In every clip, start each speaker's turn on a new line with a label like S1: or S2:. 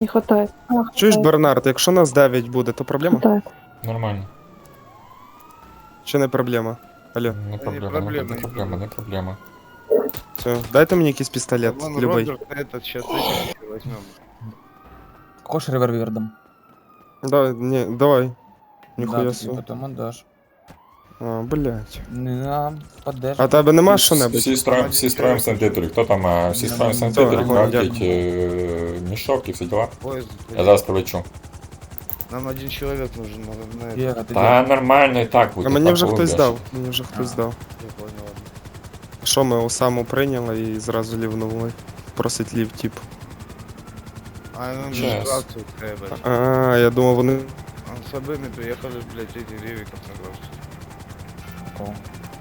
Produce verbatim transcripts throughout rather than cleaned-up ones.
S1: Не хватает. А,
S2: Чуєш,
S1: хватает,
S2: Бернард, якщо нас дев'ять буде, то проблема?
S1: хватает.
S3: Нормально.
S2: Чи не проблема? Алло,
S3: Не
S4: Да
S3: проблема,
S4: не
S3: не
S4: проблема,
S3: не
S4: не
S3: проблема, не проблема.
S2: все. Дайте мені якийсь пістолет,
S4: Вон
S2: любий.
S4: Роберт этот, сейчас этих еще возьмем.
S5: Хочешь револьвер дам?
S2: Да, не, давай.
S5: Да,
S2: Ніхуя
S5: ты
S2: собі.
S5: потом отдашь.
S2: А, блядь.
S5: Не на, поддержь.
S2: А тебе нема
S3: Всі,
S2: що-небудь?
S3: всі строїм, всі строїм санітарі. Хто там, а, всі строїм санітарі,
S2: Все,
S3: крафтять
S2: дякую.
S3: е, мішок і всі діла.
S4: Поезд,
S3: Я
S4: блядь.
S3: зараз прилечу.
S4: Нам один человек нужен на, на это.
S5: Вера, ты
S3: Та нормально і так буде.
S2: А мені
S3: так
S2: вже хтось
S3: полюбиш.
S2: дав. Мені вже хтось
S5: А.
S2: дав.
S4: Я понял, ладно.
S2: Що ми Осаму прийняли і зразу лівнули. Просить лів, тип.
S4: А он же
S3: Сейчас.
S4: акцию требует.
S2: А, я думав, вони.
S4: Он с обоими приехали, блядь, эти ревиков на грош.
S5: такого.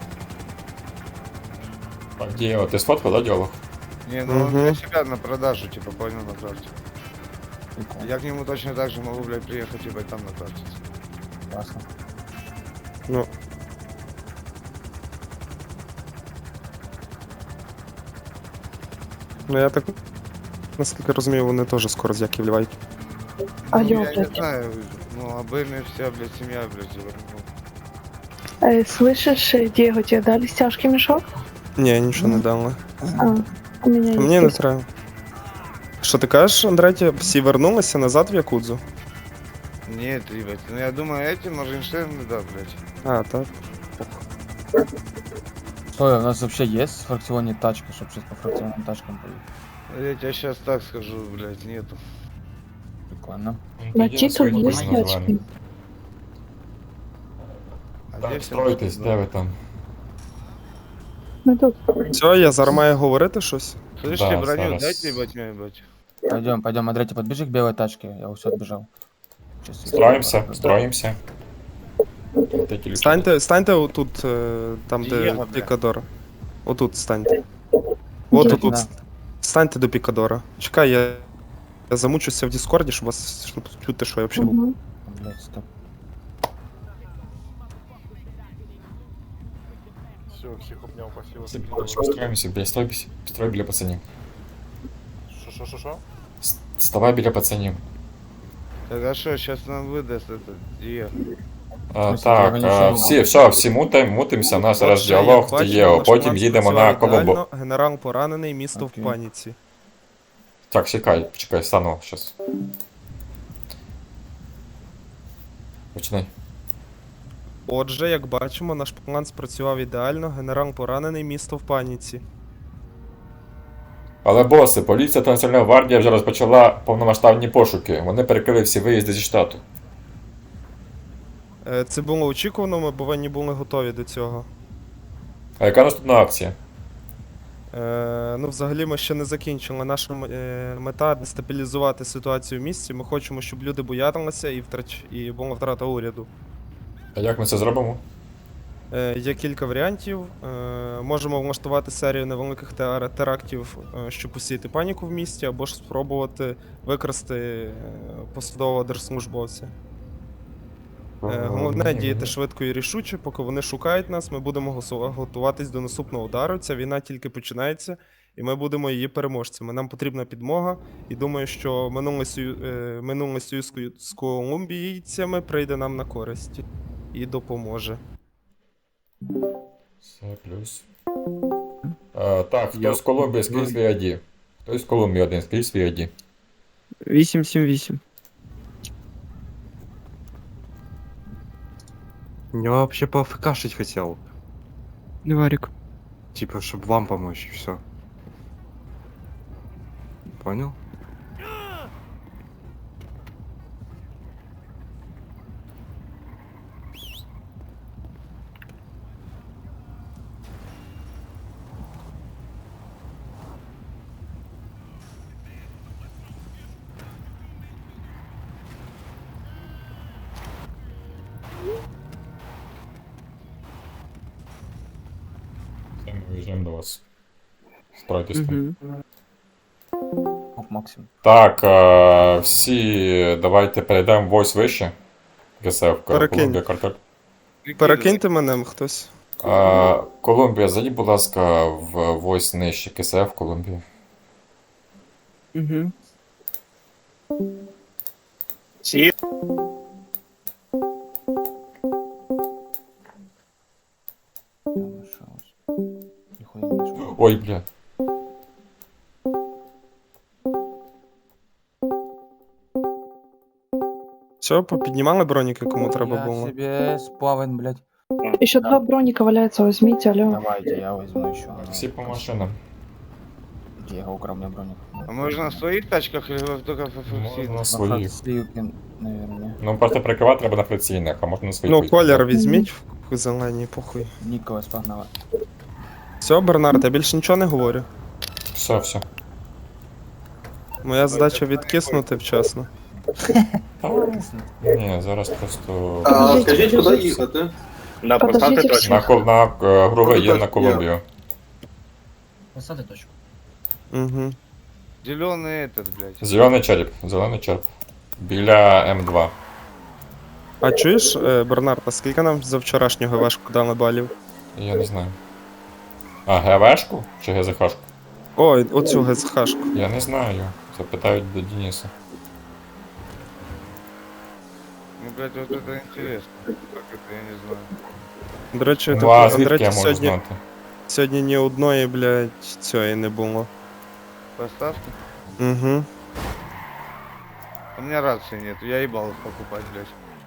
S3: Так, Дієво, ти сфоткав, да, діалог?
S4: Не, ну он
S2: Мгм.
S4: для себя на продажу, типа, понял, на крафте.
S5: Прикол.
S4: Я к нему точно так же могу, блядь, приехать, типа, и там на крафте.
S5: Ясно.
S2: Ну. Ну я так. Наскільки розумію, вони теж скоро з Яків лівають.
S1: Алло,
S4: Ну, я не
S1: блядь.
S4: знаю, ну, обоими вся, блядь, семья, блядь, завернула.
S1: Э, слышишь, э, Диего, тебе дали стяжки мешок?
S2: Ні, нічого не дали.
S1: А, у меня есть.
S2: Мені не
S1: есть.
S2: треба. Що ти кажеш, Андреті, всі вернулися назад в Якудзу?
S4: Нет, ебать, ну я думаю, эти Моргенштерн, да, блядь.
S2: А, так.
S5: Стой, у нас вообще есть в фракционе тачка, чтобы сейчас по фракционным тачкам поехать?
S4: Я тебе сейчас так скажу, блядь, нету.
S5: Прикольно.
S1: На титул есть стяжки?
S4: А
S3: Так,
S4: здесь
S3: стройтесь, де ви там?
S1: Ну тут.
S2: Все, я зараз маю говорити щось.
S4: Слышите,
S3: Да,
S4: броню
S3: зараз.
S4: дайте, ебать, мне, ебать.
S5: Пойдем, пойдем, Андрей, подбежи к белой тачке. Я все отбежал. Сейчас
S3: Строїмося, строїмося. Ти тільки-
S2: Станьте, станьте отут, е, там, де
S4: Дієго, бля.
S2: Пікадор. Отут станьте. От
S1: Дієго.
S2: отут. Станьте до Пікадора. Чекай, я, я замучуся в Діскорді, щоб вас щоб чути, що я взагалі.
S1: Мгм.
S5: Блять, стоп.
S6: Все, всех обнял, спасибо.
S3: Всі коротше, строїмося, біля, строй, бі- строй біля пацанів.
S6: Шо-шо-шо-шо?
S3: С- Ставай біля пацанів.
S4: Так а что, сейчас нам выдаст это, Диего?
S3: А,
S5: смысле,
S3: так,
S5: я
S3: а,
S5: нічого не
S3: всі, все, всі мутим, мутимося, у нас зараз
S2: Отже, як
S3: діалог,
S2: бачимо,
S3: Тієо,
S2: наш
S3: потім
S2: план
S3: їдемо на
S2: спрацював
S3: Коломбо.
S2: ідеально. Генерал поранений, місто
S5: Окей.
S2: в паніці.
S3: Так, чекай, чекай, стану щас. Починай.
S2: Отже, як бачимо, наш план спрацював ідеально. Генерал поранений, місто в паніці.
S3: Але боси, поліція та Національна гвардія вже розпочала повномасштабні пошуки. Вони перекрили всі виїзди зі штату.
S2: Е, Це було очікувано, ми повинні були готові до цього.
S3: А яка наступна акція?
S2: Е, ну, взагалі, ми ще не закінчили. Наша м- е, мета дестабілізувати ситуацію в місті. Ми хочемо, щоб люди боялися і втрач... і була втрата уряду.
S3: А як ми це зробимо?
S2: Е, є кілька варіантів. Е, можемо влаштувати серію невеликих теар- терактів, е, щоб посіяти паніку в місті, або ж спробувати викрасти е, посадового держслужбовця. Е, Головне діяти швидко і рішуче, поки вони шукають нас, ми будемо госу- готуватись до наступного удару. Ця війна тільки починається, і ми будемо її переможцями. Нам потрібна підмога, і думаю, що минулий сою... е, минулий союз ко- з колумбійцями прийде нам на користь і допоможе.
S3: Все, плюс. А, так, хто з Колумбії, скрізь свій ай ді. Хто з Колумбії один, скрізь свій ай ді.
S7: вісім сім вісім.
S8: Я вообще поафкашить хотел.
S7: Варик.
S8: Типа, чтобы вам помочь, и все. Понял?
S3: Все, ми виїжджаємо до вас. Стройтесь там.
S7: Угу.
S5: Оп, Максим.
S3: Так, а, всі давайте перейдемо вось вище. ГСФ,
S2: Перекинь.
S3: Колумбія, картель.
S2: Перекиньте мене хтось.
S3: А, Колумбія, зайдіть, будь ласка, в войс нижче КСФ, Колумбія.
S7: Угу.
S5: Там лишалось. Ніхуя не знайшов.
S3: Ой, бля.
S2: Все, попіднімали броніки, кому треба
S5: Я
S2: було.
S5: себе сплавен, блядь.
S1: Еще два броника валяются, возьмите, алло.
S5: Давайте, я возьму еще.
S3: Всі по машинам.
S5: Где я украл, у меня броник.
S4: А можно на своих тачках или вы только в
S3: Можна
S4: фокусируете?
S3: на
S5: На
S3: своїх.
S5: сливки, наверное.
S3: Ну просто прикривати треба на фракційних, а можна на своїх.
S2: Ну,
S3: вийти.
S2: колір візьміть в зеленій, похуй.
S5: Николас погнала.
S2: Все, Бернард, я більше нічого не говорю.
S3: Все, все.
S2: Моя задача відкиснути вчасно.
S3: Ні, зараз просто.
S1: А,
S9: скажіть, куди їхати?
S1: На Подождите,
S3: На, кол- на е, груве є на Колумбію.
S10: Посади точку.
S2: Угу.
S4: Зеленый этот, блядь.
S3: Зелений череп, зелений череп. Біля М два.
S2: А чуєш, е, Бернард, а скільки нам за вчорашнього важку дали балів?
S3: Я не знаю. А ГВшку чи ГЗХшку?
S2: Ой, оцю ГСХшку.
S3: Я не знаю. Запитають до Дениса.
S4: Ну, блядь, вот это интересно. Как это, я не знаю.
S2: До речі,
S3: Ну
S2: так,
S3: а звідки
S2: Андрей,
S3: я можу
S2: сьогодні,
S3: знати?
S2: сьогодні ні одної, блядь, цієї не було.
S4: Поставки?
S2: Угу.
S4: У меня рации нет, я ебал их покупать, блядь.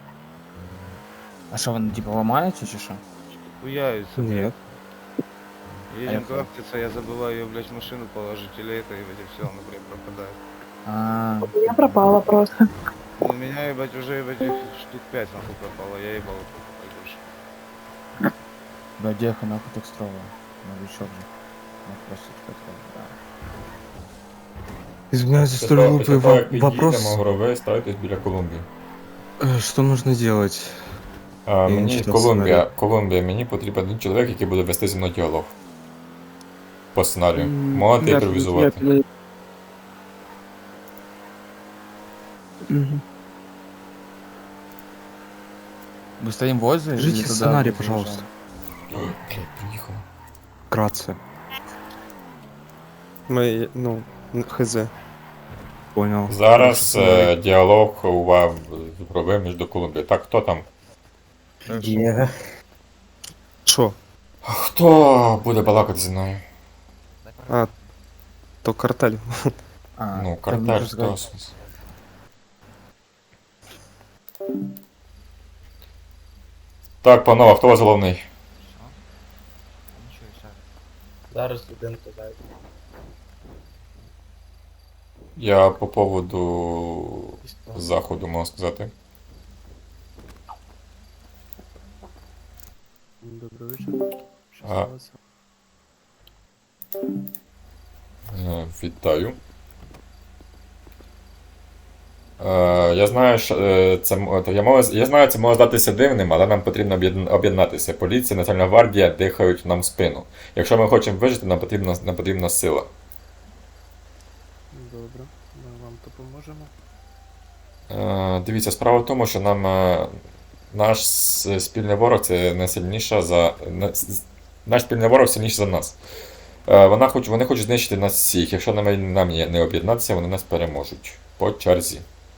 S5: А что, вы типа ломаете, чи что?
S4: Хуяются.
S8: Нет.
S4: Едем
S5: Поехали.
S4: крафтиться, я забываю ее, блядь, в машину положить, или это, и блядь, все, она, блядь, пропадает.
S5: А,
S1: Я пропала просто.
S4: Ну, у меня, ебать, уже, ебать, их штук пять, нахуй, пропало, я ебал их покупать больше.
S5: да деха нахуй так строго. Новичок же. Ну, просто типа, да.
S8: Извиняюсь за
S3: Після
S8: столь
S3: того-
S8: глупый
S3: після того, як
S8: во-
S3: підійдемо,
S8: вопрос.
S3: груве, ставитесь біля Колумбії.
S8: Э, Что нужно делать?
S3: А,
S8: не
S3: мені
S8: читав
S3: Колумбія,
S8: сценарій.
S3: Колумбія, мені потрібен один чоловік, який буде вести зі мною діалог. По сценарію.
S7: М,
S3: Можете
S7: я-
S3: імпровізувати.
S7: я- Мгм.
S5: Мы стоим возле?
S8: Скажите
S5: или туда
S8: сценарий,
S5: заезжаем?
S8: пожалуйста.
S3: Ой, блядь, приїхала.
S8: Вкратце.
S2: Ми, ну, хз.
S8: Понял.
S3: Зараз
S8: Сценарій.
S3: е, діалог у вас з груве між Колумбією. Так, хто там?
S8: Є.
S2: Що?
S3: Хто буде балакати зі мною?
S2: А, то картель.
S5: А,
S3: Ну,
S5: так
S3: картель,
S5: можно
S3: хто?
S5: сказать.
S3: Так, панове, хто у вас головний?
S10: Зараз студент казав.
S3: Я по поводу заходу можу сказати.
S6: Добрый вечер.
S3: А. Е, Вітаю. Е, Я знаю, що е, це м- то я, можу, я знаю, це може здатися дивним, але нам потрібно об'єдн- об'єднатися. Поліція, Національна гвардія дихають нам в спину. Якщо ми хочемо вижити, нам потрібна, нам потрібна сила.
S6: Добре, ми вам допоможемо.
S3: Е, Дивіться, справа в тому, що нам е, наш с- спільний ворог це не сильніша за. не- с- Наш спільний ворог сильніший за нас. Е, Вона хоч, вони хочуть знищити нас всіх. Якщо нам, нам є- не об'єднатися, вони нас переможуть. По черзі.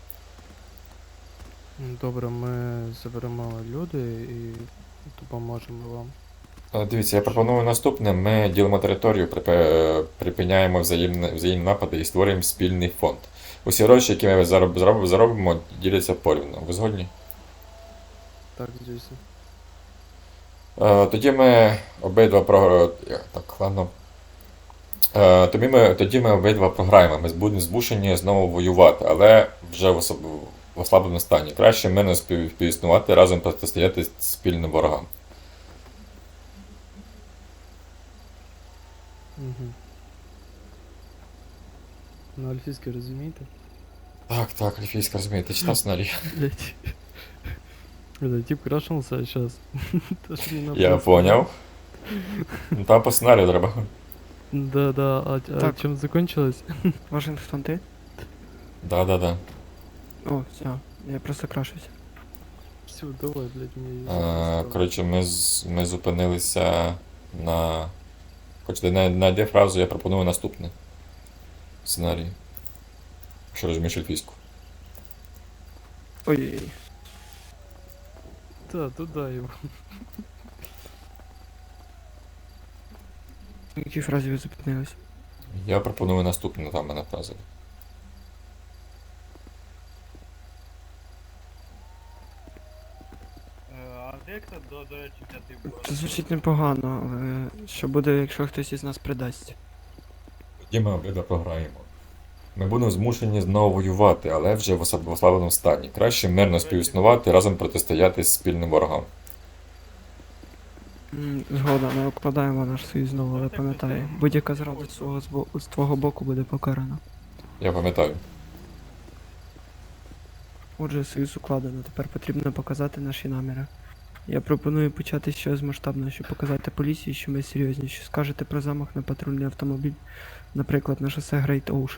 S6: Добре, ми заберемо люди і допоможемо вам.
S3: Е, Дивіться, я пропоную наступне. Ми ділимо територію, припи- припиняємо взаємні, взаємні напади і створюємо спільний фонд. Усі гроші, які ми зароб, зароб, заробимо, діляться порівну. Ви згодні?
S6: Так, звісно.
S3: Е, Тоді ми обидва про. Так, ладно. Е, Тоді ми, тоді ми обидва програємо. Ми будемо змушені знову воювати, але вже в, особ... в ослабленому стані. Краще ми не спів... співіснувати, разом протистояти спільним ворогам.
S6: Угу. Ну, альфійське розумієте?
S3: Так, так, Альфійська, розумієте, читав сценарій.
S6: Блять. Это тип крашнулся сейчас.
S3: Я поняв. Ну, там по сценарію треба.
S6: Да, да, а, а
S7: Так.
S6: чем закончилось?
S7: Вашингтон, ты?
S3: Да, да, да.
S7: О, все, я просто крашусь.
S6: Все, давай, блять, мне...
S3: Е, Коротше, ми, з... ми зупинилися на. Хочете, на, на де фразу я пропоную наступний сценарій. Якщо розумієш ельфійську.
S7: Ой,
S6: Та, туди його.
S7: в якій фразі ви зупинились?
S3: Я пропоную наступну там мене фразу.
S10: А де хто до, до речі, п'ятий був?
S7: Це звучить непогано, але що буде, якщо хтось із нас придасть?
S3: Тоді ми обидва програємо. Ми будемо змушені знову воювати, але вже в осаб- в ослабленому стані. Краще мирно співіснувати, разом протистояти спільним ворогам.
S7: М, Згода, ми укладаємо наш союз знову, але пам'ятай, будь-яка зрада з свого з бо- з твого боку буде покарана.
S3: Я пам'ятаю.
S7: Отже, союз укладено, тепер потрібно показати наші наміри. Я пропоную почати з чогось масштабного, щоб показати поліції, що ми серйозні, що скажете про замах на патрульний автомобіль, наприклад, на шосе Great Ocean.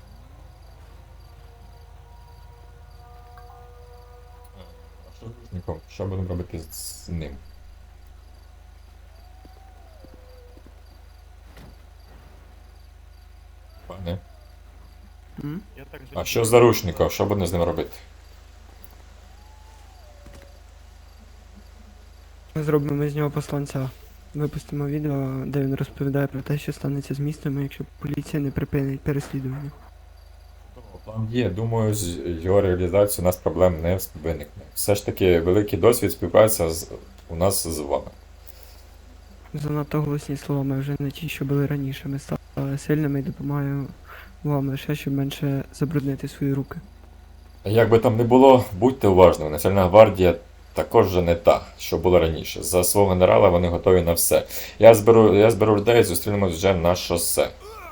S3: А що з Ніком? Що будемо робити з ним? Пане?
S7: М?
S10: Я так
S3: А що з заручником? Що будемо з ним робити?
S7: Ми зробимо з нього посланця. Випустимо відео, де він розповідає про те, що станеться з містом, якщо поліція не припинить переслідування.
S3: План є, думаю, з його реалізацією у нас проблем не виникне. Все ж таки, великий досвід співпраця з, у нас з вами.
S7: Занадто голосні слова, ми вже не ті, що були раніше. Ми стали сильними і допомагаємо вам лише, щоб менше забруднити свої руки.
S3: Як би там не було, будьте уважними, Національна гвардія також вже не та, що була раніше. За свого генерала вони готові на все. Я зберу, я зберу людей і зустрінемось вже на шосе.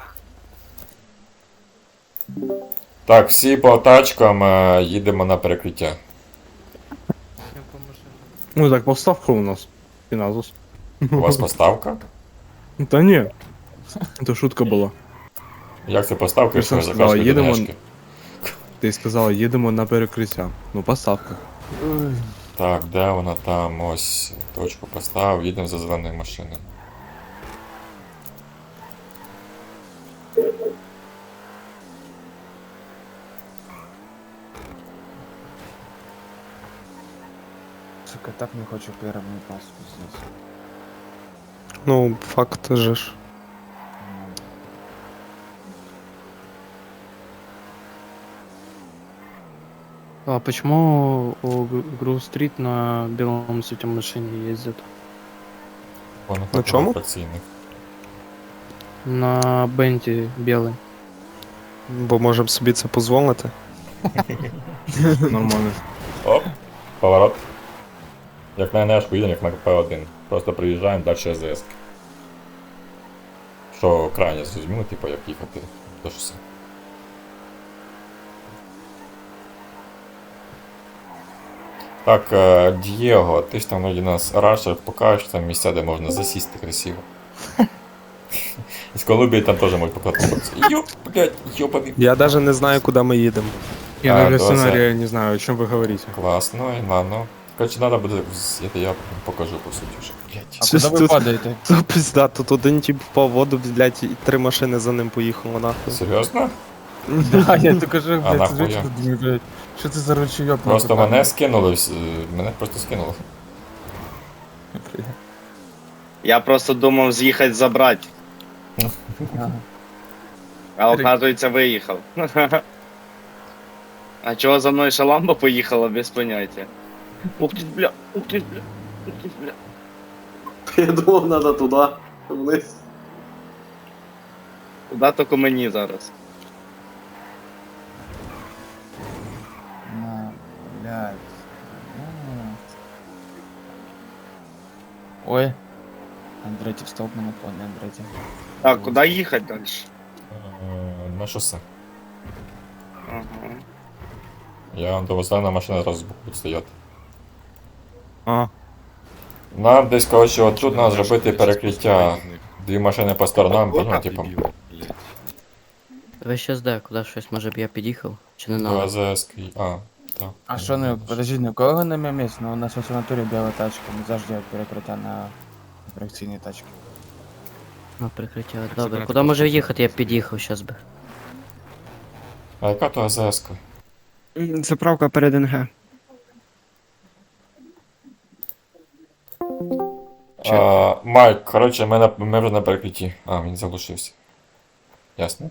S3: Так, всі по тачкам е, їдемо на перекриття.
S6: Я по машині.
S8: Ну так, поставка у нас. Піназус.
S3: У вас поставка?
S8: Та ні. Це шутка була.
S3: Як це поставка, якщо ви
S8: Сказала,
S3: закажете
S8: їдемо-
S3: ДНГшки?
S8: Ти сказала, їдемо на перекриття. Ну, поставка.
S3: Так, де вона там? Ось. Точку поставив, їдемо за зеленою машиною.
S5: Сука, так не хочу первый пас, пиздец.
S2: Ну, факт же ж.
S6: А почему у Грув-стрит на белом цвете машине ездят?
S3: Вона
S2: На чому?
S3: фракційних.
S6: На Бенті белый.
S2: Бо можемо собі це дозволити.
S8: Нормально.
S3: Оп, поворот. Як на НЕшку їдемо, як на П один. Просто приїжджаємо, далі АЗС. Що крайне зрозуміло, типу, як їхати до шосе. Так, е, Дієго, ти ж там вроді нас рашер, покажеш там місця, де можна засісти красиво. І з Колумбії там теж можуть покататися. Йоп, блядь, йобаний.
S2: Я навіть не знаю, куди ми їдемо.
S8: Я
S3: А,
S8: даже
S3: то
S8: сценария не знаю, о чем вы говорите.
S3: Класно, і ладно. Короче, надо буде, з- это я покажу по суті вже. Блядь.
S5: А
S2: Щось
S5: куда вы
S2: тут-
S5: падаете?
S2: Це пизда, тут один тип впав в воду, блядь, і три машини за ним поїхало нахуй.
S3: Серйозно?
S5: Да, я только же,
S3: А
S5: блядь,
S3: нахуя?
S5: сижу, думаю, блядь, что ты за ручеёк?
S3: Просто мене скинули, вс- е, мене просто скинули.
S10: Я просто думав з'їхати забрати, а оказується виїхав. А чого за мною шаламба поїхала, без поняття. Ух ти, бля, ух ти, бля, ух ти, бля.
S9: Я думав, надо туди, вниз.
S10: Куда тільки мені зараз.
S5: На, блядь. М. Ой. Андретик встал на наклоне, Андретик.
S10: Так, куди їхати далі?
S3: Е, На шосе.
S10: Ага.
S3: Я вам до зелена машина одразу збоку буде стояти.
S8: А,
S3: Нам десь, коротше, отут треба зробити перекриття. Дві машини по сторонам, ну, типу,
S11: Ви щас де, куди щось, може б я під'їхав? Чи не
S3: до
S11: надо?
S3: АЗС. А, так.
S5: А что, ну, подожди, ну кого на моем месте? Ну, у нас в натуре белая тачка, мы завжди перекриття на реакційній тачці.
S11: А, прикриття. Добре, куди може їхати, я б під'їхав щас би.
S3: А яка то АЗС-ка?
S7: М, Заправка перед НГ.
S3: А, Майк, коротше, ми, на, ми вже на перекритті. А, він заглушився. Ясно.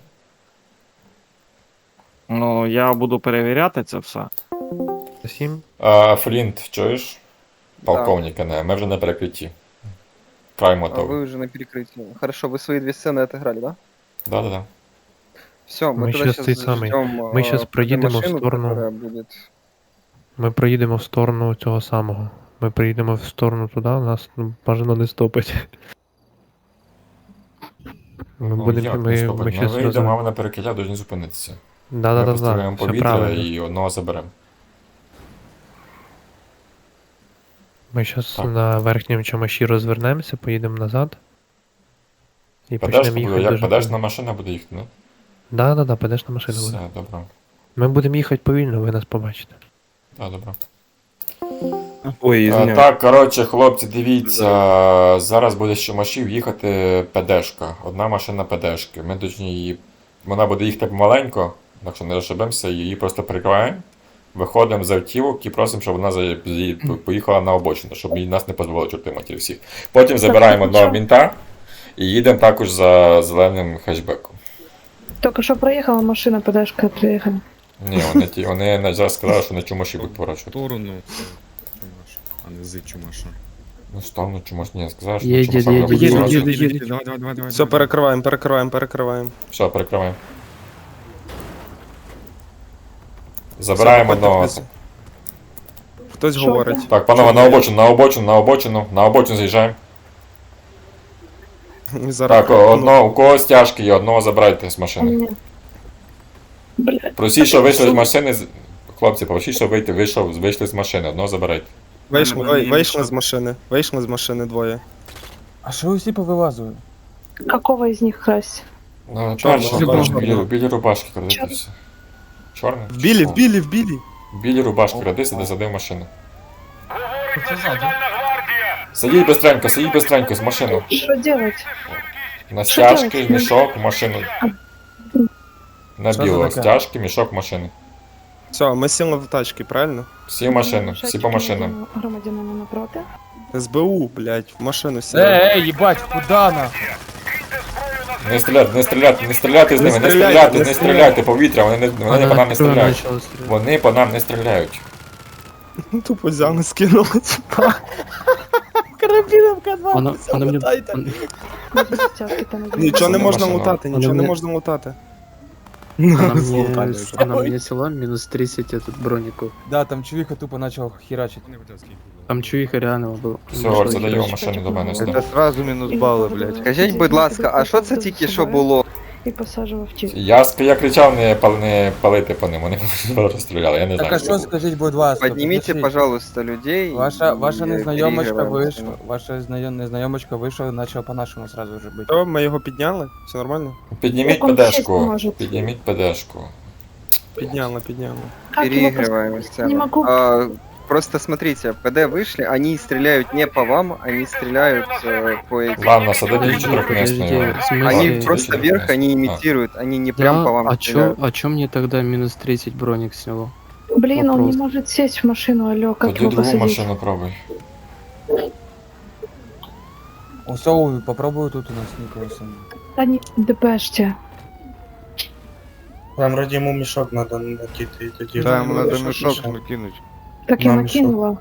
S10: Ну, я буду перевіряти це все.
S6: Сім.
S3: А, Флінт, чуєш? Полковника, не, ми вже на перекритті. Край
S12: А
S3: мотовий.
S12: вы уже на перекрытии. Хорошо, вы свои две сцены отыграли, да?
S3: Да-да-да.
S12: Все, мы,
S6: Мы
S12: тогда
S6: щас
S12: сейчас
S6: цей самий.
S12: ждем
S6: Ми щас проїдемо в сторону.
S12: которая будет...
S6: Ми проїдемо в сторону цього самого. Ми приїдемо в сторону туди, нас ну, бажано не стопить. Ми
S3: Ну,
S6: будемо.
S3: як не
S6: Ми,
S3: стопить?
S6: ми
S3: Ми
S6: щас
S3: вийдемо, а
S6: роз...
S3: ви на перекриття повинні зупинитися.
S6: Да,
S3: Ми
S6: да, да,
S3: постріляємо
S6: да. Все
S3: повітря
S6: правильно.
S3: і одного заберемо.
S6: Ми щас
S3: Так.
S6: на верхньому чамаші розвернемося, поїдемо назад. І
S3: Падешка
S6: почнемо
S3: буде,
S6: їхати
S3: як
S6: дуже.
S3: падешна машина буде їхати, ну?
S6: Да, да, да, падеш на машину буде.
S3: Все, добре.
S6: Ми будемо їхати повільно, ви нас побачите.
S3: Так, добре.
S8: Ой,
S3: А,
S8: извиняюсь.
S3: так, коротше, хлопці, дивіться, зараз буде з Чумашів їхати ПДшка. Одна машина ПДшки. Ми точні її. Вона буде їхати маленько, так що не розшибемося, її просто прикриваємо. Виходимо з автівок і просимо, щоб вона за- зі- поїхала на обочину, щоб їй нас не дозволили чорти матір всіх. Потім забираємо одного мінта і їдемо також за зеленим хетчбеком.
S1: Тільки що проїхала машина, подашка приїхала.
S3: Ні, вони, ті, вони на- зараз сказали, що на Чумаші будуть поворачувати.
S8: Сторону це Чумаш, а не з Чумаша.
S3: Ну, сторону Чумаш, ні, сказали, що
S11: Їдь,
S3: на Чумаша
S11: їдь,
S3: будуть
S11: їдь,
S3: поворачувати.
S7: Їде, їде.
S8: Давай, давай, давай, давай.
S2: Все, перекриваємо, перекриваємо, перекриваємо.
S3: Все, перекриваємо. Забираємо
S2: Все,
S3: одного.
S2: походьте. Хтось
S1: Що
S2: говорить.
S3: Так, панове, на обочину, на обочину, на обочину, на обочину заїжджаємо.
S2: І зараз
S3: Так, одного, у когось тяжкі є, одного забирайте з
S1: А
S3: машини.
S1: мені. Блядь.
S3: Просіть, що вийшли з машини, з- хлопці, просіть, що вийти, вийшов, вийшли з машини, одного забирайте.
S2: Вийшли, вий- вийшли з машини. Вийшли з машини двоє.
S5: А що ви всі повилазили?
S1: Какого із них красть?
S3: Ну,
S2: Чорного,
S3: перший,
S2: чорного.
S3: перший, білі, білі рубашки крадитися. Чорний?
S2: В білі, в білі, в білі.
S3: Білі рубашки крадися, де сади в машину. Сидіть бистренько, сидіть бистренько з машину.
S1: Що делать?
S3: На
S1: Що
S3: стяжки,
S1: делать?
S3: мішок, в машину. На
S5: Що
S3: біло,
S5: це таке?
S3: стяжки, мішок, в машину.
S2: Все, ми сіли в тачки, правильно?
S3: Всі в машину, всі по машинам.
S1: Громадянина напроти.
S2: СБУ, блядь, в машину сіли.
S5: Ей, ей, їбать, куда на?
S3: Не стріляти, не стріляти, не стріляти з
S2: Не
S3: ними, не
S2: стріляйте,
S3: стріляти,
S2: не
S3: не стріляти, повітря, вони, не, вони по нам не стріляють. Вони по нам не стріляють.
S2: Тупо взяли, скинули.
S6: Вона, вона мені...
S1: Стяжки там.
S2: Нічого не
S3: Це
S2: можна
S3: машина.
S2: лутати,
S6: Вона
S2: нічого не
S6: мені-
S2: можна лутати.
S6: Вона мені, вона мені села мінус тридцять этот броніку.
S5: Да, там чувіха тупо почав херачити.
S6: Там чуїха реально було.
S3: Все, Горце, дай його машину до мене сюди.
S4: Це сразу мінус бали, блядь.
S12: Скажіть, будь ласка, а що це тільки що було?
S1: І посаджував ті.
S3: Я, ск- я кричав не, пал, не палити по ним, вони розстріляли, я не
S5: Так
S3: знаю.
S5: а
S3: що
S5: що
S3: було.
S5: скажіть, будь ласка?
S12: Підніміть,
S5: підпишіть.
S12: пожалуйста, людей.
S5: Ваша,
S12: і
S5: ваша незнайомочка
S12: переіграємо
S5: вийшла,
S12: з цим.
S5: ваша знайом- незнайомочка вийшла і почала по-нашому сразу вже бити.
S2: Що, ми його підняли? Все нормально?
S3: Підніміть
S1: Як он сесть
S3: ПДшку,
S1: може?
S3: підніміть ПДшку.
S2: Підняли, підняли.
S1: Как его пос-
S12: Переигрываем
S1: Не
S12: сцену.
S1: могу.
S12: А, просто смотрите, ПД вышли, они стреляют не по вам, они стреляют э, по этим.
S3: Ладно, садити
S6: Подожди,
S3: чотирьохмісної.
S6: подожди, в смысле?
S12: Они
S6: Ладно,
S12: просто
S3: чотирьохмісної.
S12: вверх, они имитируют, они не прям
S6: Да,
S12: по вам
S6: а чё,
S12: стреляют.
S6: а чё мне тогда минус тридцать броник сняло?
S1: Блин, он
S6: Вопрос.
S1: не может сесть в машину, алло, как
S3: Тоді
S1: его
S3: другу
S1: посадить?
S3: машину пробуй.
S5: Усовую, попробую тут у нас Николаса.
S1: Да не ДПште.
S8: Вам ради ему мешок надо накидать, и тоді...
S4: Да, ему надо
S8: мешок
S4: мешок
S8: мешок.
S4: накинуть.
S1: Так я
S8: Нам
S1: накинула.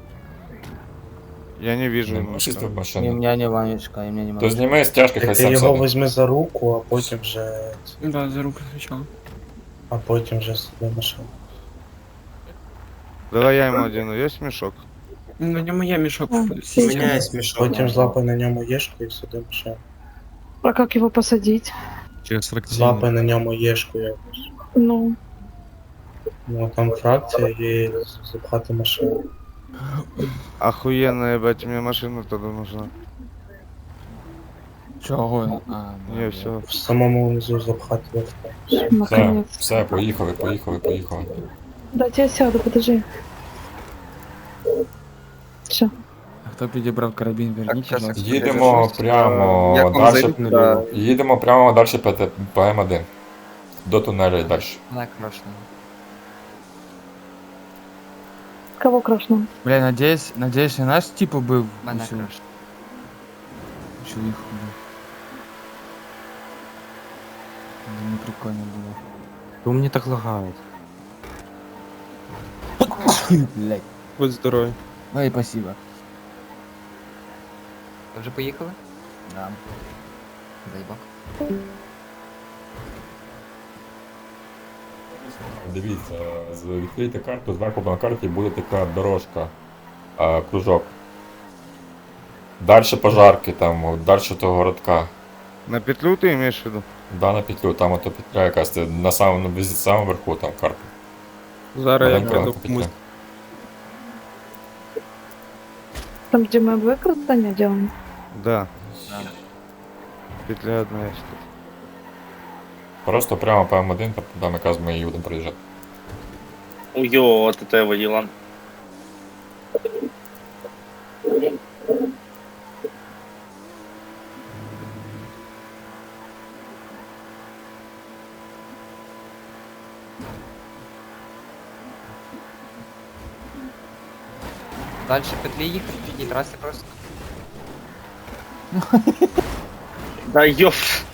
S4: Я не вижу
S3: Не
S4: ему.
S3: можеш в
S5: І
S3: машину.
S5: мене не Ванечка, і мене не
S3: То
S5: Ванечка.
S3: зніми з тяжких хай
S8: Ти
S3: сам
S8: його
S3: садить.
S8: візьми за руку, а потім вже...
S7: Да, за руку сначала.
S8: А потім вже сюди машину.
S4: Давай я ему одену, есть мешок?
S7: На ньому є мішок.
S1: А,
S7: в-
S1: сесть.
S8: Міняє мішок. Потім злапай на ньому єшку і сюди машину.
S1: А как его посадить?
S8: Через фракційну. Злапай на ньому єшку якось.
S1: Ну,
S8: Ну, там фракція і запхати машину.
S4: Охуенно, ебать, мне машина тогда нужна.
S5: Чого? А, ну,
S4: Не, все.
S8: В самому внизу запхати в авто.
S3: Все,
S1: наконец.
S3: все, поїхали, поїхали, поїхали.
S1: Дайте я сяду, подожди. Все.
S5: А хто підібрав карабін, верніть,
S12: щас,
S5: будь ласка.
S3: Їдемо прямо
S12: Як вам
S3: далі.
S12: зайти туди?
S3: Їдемо прямо далі по, Т- по М один. До тунелю і далі.
S5: Так, хорошо.
S1: Кого крашнул?
S5: Бля, надеюсь, надеюсь, не наш тип убив.
S11: Мене
S5: усю.
S11: краще.
S5: включил их, блядь. Да не прикольно было.
S8: Ну мені так лагает.
S5: Блядь.
S2: Будь здоровий.
S5: Ой, спасибо.
S13: Ви вже поїхали?
S5: Да.
S13: Заїбак.
S3: Дивіться, з- відкрийте карту, зверху на карті буде така дорожка, а, кружок. Дальше пожарки, там, дальше того городка.
S4: На петлю ты имеешь в виду?
S3: Да, на петлю, там ото петля якась, це на самому, на самому верху там карта.
S2: Зараз я
S3: Маленька
S2: прийду
S3: петля.
S2: комусь.
S1: Там, где мы выкрадание делаем?
S4: Да. Петля одна есть.
S3: Просто прямо по М один, там якраз ми і будемо проїжджати.
S10: Уйо, от это водила.
S13: Далі петлі їхати, і траси просто.
S10: Да ёп.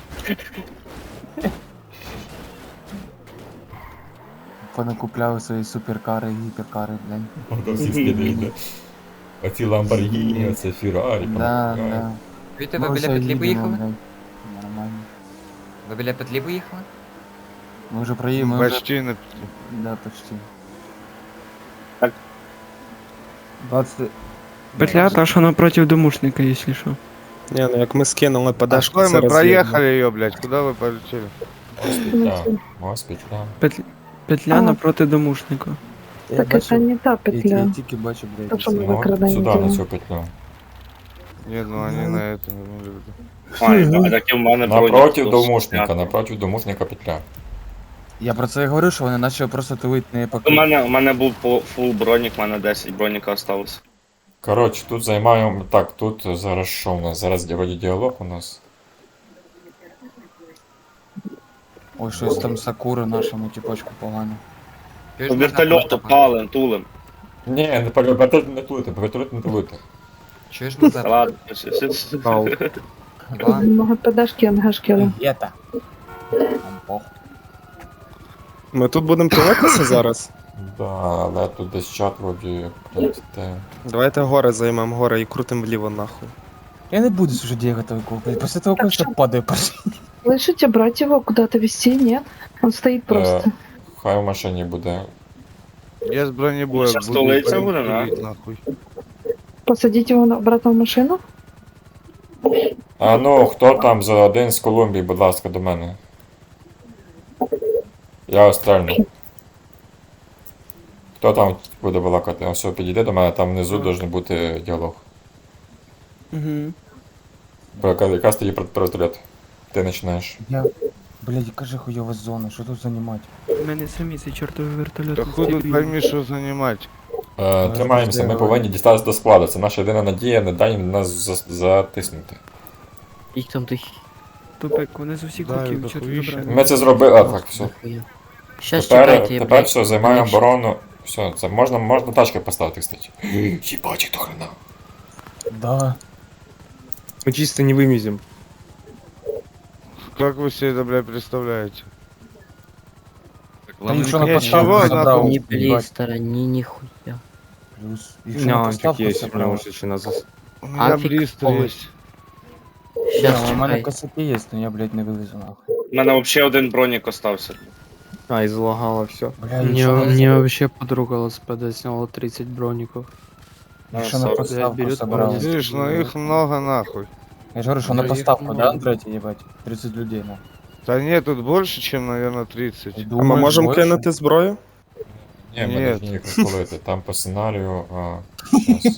S5: Понакупляв свої суперкари, гіперкари, блядь.
S3: Ото всі скидаєте. Оці Ламборгіні, оце Феррарі.
S5: Да, да.
S13: Чуєте,
S5: Ми
S13: ви біля
S5: все
S13: петлі
S5: їдемо,
S13: поїхали?
S5: блядь. Нормально.
S13: Ви біля петлі поїхали?
S5: Мы уже проехали, мы уже...
S4: Почти на петлю.
S5: Да, почти.
S10: Так.
S5: двадцать...
S7: Петля та, що напротив домушника, якщо що.
S2: Ні, ну як ми скинули
S4: А
S2: подашку,
S4: что
S2: це
S4: мы
S2: роз'єдно.
S4: проехали ее, блядь? Куда вы полетели?
S3: Ось петля, ось петля.
S7: Петля, петля
S1: А.
S7: напроти домушника.
S5: Я
S1: Так это не та
S5: Я,
S1: петля.
S5: я тільки бачу, блядь.
S1: То, що ми
S5: це.
S3: Ну,
S1: викрадання
S3: сюди, на
S1: делаем.
S3: цю петлю.
S4: Нет, ну они на это не имели в виду.
S10: Ой, да, так і в мене
S3: Напротив
S10: бронік
S3: домушника,
S10: стояв.
S3: напротив домушника петля.
S5: Я про це і говорю, що вони почали просто тулити не
S10: У
S5: покрити.
S10: мене, у мене був по- фул бронік, у мене десять броніка осталось.
S3: Коротше, тут займаємо. Так, тут зараз що у нас? Зараз вроді діалог у нас.
S5: Ой, щось там Сакура нашому тіпочку погано.
S13: Чуєш,
S10: По
S13: можна
S10: вертольоту
S13: просто-
S10: палим, тулим.
S3: Ні, не палю, вертоліт не тулити, вертоліт не тулити.
S13: Чуєш, Мазеп?
S10: Ладно.
S13: Два.
S1: Много подашки, ангашки.
S5: Єта. Там похуй.
S2: Ми тут будемо тулитися зараз.
S3: Да, але тут десь чат вроді прилетите.
S2: Давайте гори займемо гори і крутим вліво нахуй.
S5: Я не буду уже делать такого, блядь. После того, как
S1: что-
S5: я падаю, пошли.
S1: Слышите, брать его куда-то везти? Нет? Он стоит просто.
S3: Е, Хай в машині буде.
S4: Я с бронебоя
S10: Сейчас
S4: буду
S10: столица будет, да?
S4: пилить, нахуй.
S1: Посадить его на- обратно в машину?
S3: А ну, хто там за один з Колумбії, будь ласка, до мене. Я острельну. Хто там буде балакати? Ось підійди до мене, там внизу должен бути діалог.
S7: Угу.
S3: Бо яка- Якраз тоді про вертольот. Ти починаєш.
S5: Я... Блядь, яка же хуйова зона, що тут занимать?
S7: У мене самі цей чортовий вертольот.
S4: Да
S7: не
S4: хуй тут
S7: стрілює.
S4: пойми, что занимать.
S3: Е, тримаємося, ми повинні дістатися до складу. Це наша єдина надія, не дай їм нас за- затиснути.
S11: Їх там тих.
S7: Тупик, вони з усіх
S4: Да,
S7: боків
S4: да
S7: чорт
S4: хуїще.
S7: забрали.
S3: Ми це зробили, а так, все.
S11: Щас
S3: Тепер,
S11: чекайте, я,
S3: тепер
S11: блядь.
S3: все, займаємо
S11: мене ще-
S3: оборону. Все, це можна, можна тачки поставити, кстати. Їбать, то хрена.
S5: Да.
S8: Мы чисто не вымезем.
S4: Как вы себе это, блядь, представляете?
S5: Там якщо на
S4: Ні,
S5: поставку
S4: чого,
S5: забрав,
S11: Не
S5: їбать.
S11: близь, сторони, нихуя.
S5: Плюс. Якщо на
S8: Нянчик
S5: поставку
S8: есть,
S5: забрав.
S8: потому что еще назад.
S4: У меня
S11: Афиг
S4: блистер
S11: полный.
S4: есть.
S11: Щас
S5: Да, у мене
S11: чекай.
S5: косяки є, но я, блядь, не вивезу нахуй.
S10: У мене взагалі один бронік остався.
S8: А, и залагало все.
S5: Бля, якщо на-
S6: вообще подруга ЛСПД сняла тридцать броников.
S5: якщо на
S10: Блядь,
S5: поставку
S6: берет
S5: собрав.
S6: полностью.
S4: Видишь, ну их много нахуй.
S5: Я ж говорю, що на
S6: Да,
S5: поставку,
S6: їх
S5: да,
S6: много.
S5: Андреті, їбать? тридцать людей, на.
S4: Да нет, тут больше, чем, наверное, тридцать.
S2: А ми
S5: Думаєш,
S2: можемо
S5: більше?
S2: кинути зброю?
S3: Ні, ми
S4: Ні.
S3: не їх розпалити. Там по сценарію. А, щас.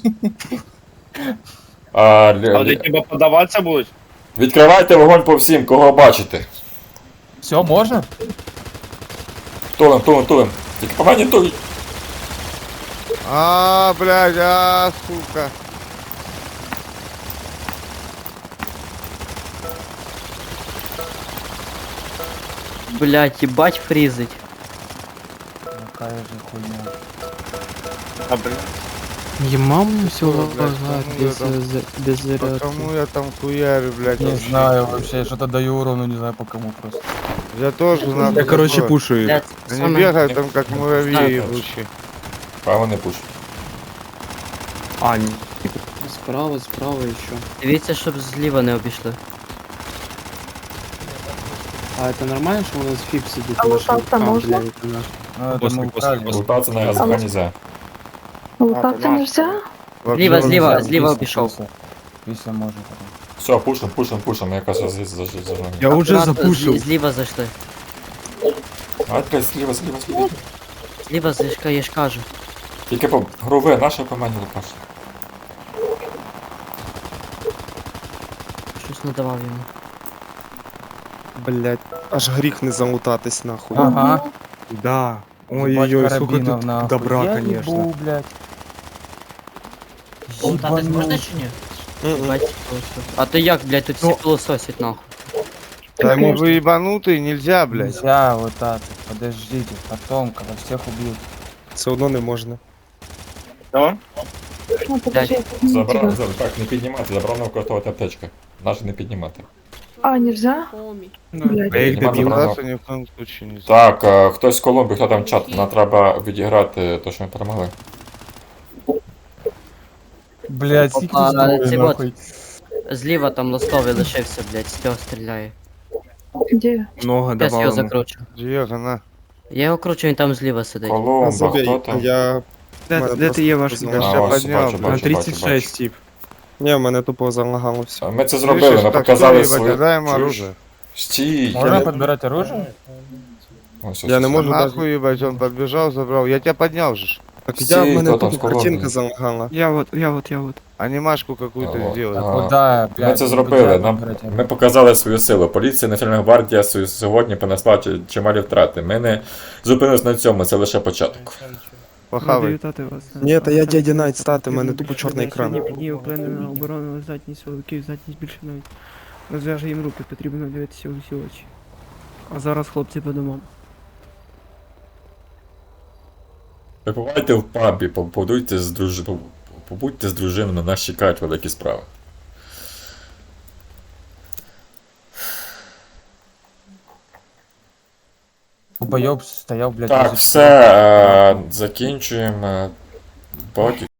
S3: А, лі-
S10: А вони
S3: лі-
S10: тебе подаватися будуть?
S3: Відкривайте вогонь по всім, кого бачите.
S5: Все, можна?
S3: Тулим, тулим, тулим. Тільки по мені тулить.
S4: А, блядь, а, сука.
S11: Блять, ебать фризить.
S5: Какая же хуйня.
S10: А, блядь.
S5: Не маму все
S4: Ой, блядь,
S5: лагает
S4: кому я
S5: без,
S4: там-
S5: э, без
S4: По
S5: зарядки.
S4: кому я там хуярю, блядь,
S5: Не
S4: вообще?
S5: знаю вообще, что-то даю урону, не знаю по кому просто.
S4: Я тоже нахуй.
S8: Я, короче,
S4: забыл.
S8: пушу их.
S11: Блядь,
S4: Они
S11: саме-
S4: бегают там как муравьи
S3: Знаю,
S4: ебучие.
S3: Право не пуш.
S8: А, ні.
S5: Справа, справа еще.
S11: Дивіться, щоб зліва не обійшли.
S5: А это нормально, что у нас фип сидит?
S1: А лутаться можно?
S5: Ну, это мы украли.
S3: Лутатися на ГЗК нельзя.
S1: Лутаться нельзя?
S11: Зліва, зліва,
S5: Після-
S11: зліва
S5: після-
S11: обійшов.
S5: після. Після може потом.
S3: Все, пушим, пушим, пушим, я якраз за за за за
S8: Я уже
S11: Аккуратно,
S8: запушил.
S11: злі- Зліва зайшли.
S3: А, блядь, зліва, зліва, зліва.
S11: Зліва зайшка, я ж кажу.
S3: Тільки по груве, наше по мені лупаш.
S11: Щось не давав йому.
S2: Блять, аж гріх не залутатись нахуй.
S5: Ага.
S8: Да.
S5: Ебать,
S8: Ой-ой-ой, сколько
S5: карабинов,
S8: тут
S5: нахуй.
S8: добра,
S5: Я
S8: конечно.
S5: ебу, блядь.
S11: Лутатись
S5: Ебанул.
S11: можна чи ні?
S2: Мгм.
S11: Бать, просто. А то як, блядь, тут всі пилососять нахуй.
S4: Да они вы ебанутые, нельзя, блядь.
S5: Нельзя вот так. Подождите, потом, когда всех убьют.
S2: Все одно не можна.
S11: Що?
S1: Ну, подожди, я подниму
S3: Забрав,
S1: тебя.
S3: забрав, так, не піднімати, забрав використовувати аптечки. Наше не піднімати.
S1: А, нельзя? Блядь.
S8: Я їх
S3: Нема
S8: добив.
S3: забрав.
S4: Драться ни в коем случае нельзя.
S3: Так, е, хтось з Колумбії, хто там чат, нам треба відіграти те, що ми перемогли.
S5: Блядь, скільки
S11: Опа,
S5: тут зброї,
S11: ці от.
S5: нахуй.
S11: Зліва там ластовий лишився, блядь, з цього стріляє.
S1: Где?
S8: Много
S11: Зараз його
S8: давал ему.
S11: закручу.
S4: Диего, на.
S11: Я його кручу, він там зліва сидить.
S3: Колумба,
S2: Забей,
S3: хто там?
S2: я...
S7: Де,
S2: мене
S7: де
S2: просто
S7: ти є ваш
S2: позвонили.
S4: Я
S3: А,
S4: ща
S3: ось,
S4: поднял,
S3: бачу,
S4: блядь.
S8: На
S3: бачу,
S8: тридцать
S3: бачу.
S8: шесть, тип.
S2: Ні, в мене тупо залагало все.
S3: Ми це зробили,
S4: Слышишь,
S3: ми
S4: так,
S3: показали
S4: что, ебать,
S3: свою...
S4: отдай ему
S3: Чуєш?
S4: оружие.
S3: Стій!
S5: Можно
S2: Я-
S5: подбирать оружие?
S3: Ось, ось,
S2: Я не
S3: ось.
S2: можу даже...
S4: Нахуй, ебать, он подбежал, забрал. Я тебя поднял же.
S2: Так я,
S3: Стій,
S2: в мене
S3: хто там з
S2: тупо
S3: Колумбії?
S2: картинка залагала.
S7: Я вот, я вот, я вот.
S4: Анимашку какую-то
S3: Алло.
S4: сделай.
S3: А,
S5: Куда, блядь?
S3: Ми це
S5: не
S3: зробили,
S5: будь
S3: нам,
S5: подбирать оружие.
S3: ми показали свою силу. Поліція Національна гвардія свою- сьогодні понесла чи- чималі втрати. Ми не зупинились на цьому, це лише початок.
S7: Радий
S4: Похавай.
S7: вітати вас.
S2: Ні, та я дядя Найт стати, в мене тупо чорний екран.
S7: Сьогодні піднів впевнена оборонна здатність силовиків, здатність більше навіть. Розв'яже їм руки, потрібно дивитися у всі очі. А зараз хлопці по домам.
S3: Ви побувайте в пабі, побудуйте з друж... побудьте з дружиною, нас чекають великі справи.
S5: Долбоёб стоял, блядь.
S3: Так,
S5: возле
S3: все, е, закінчуємо. Поки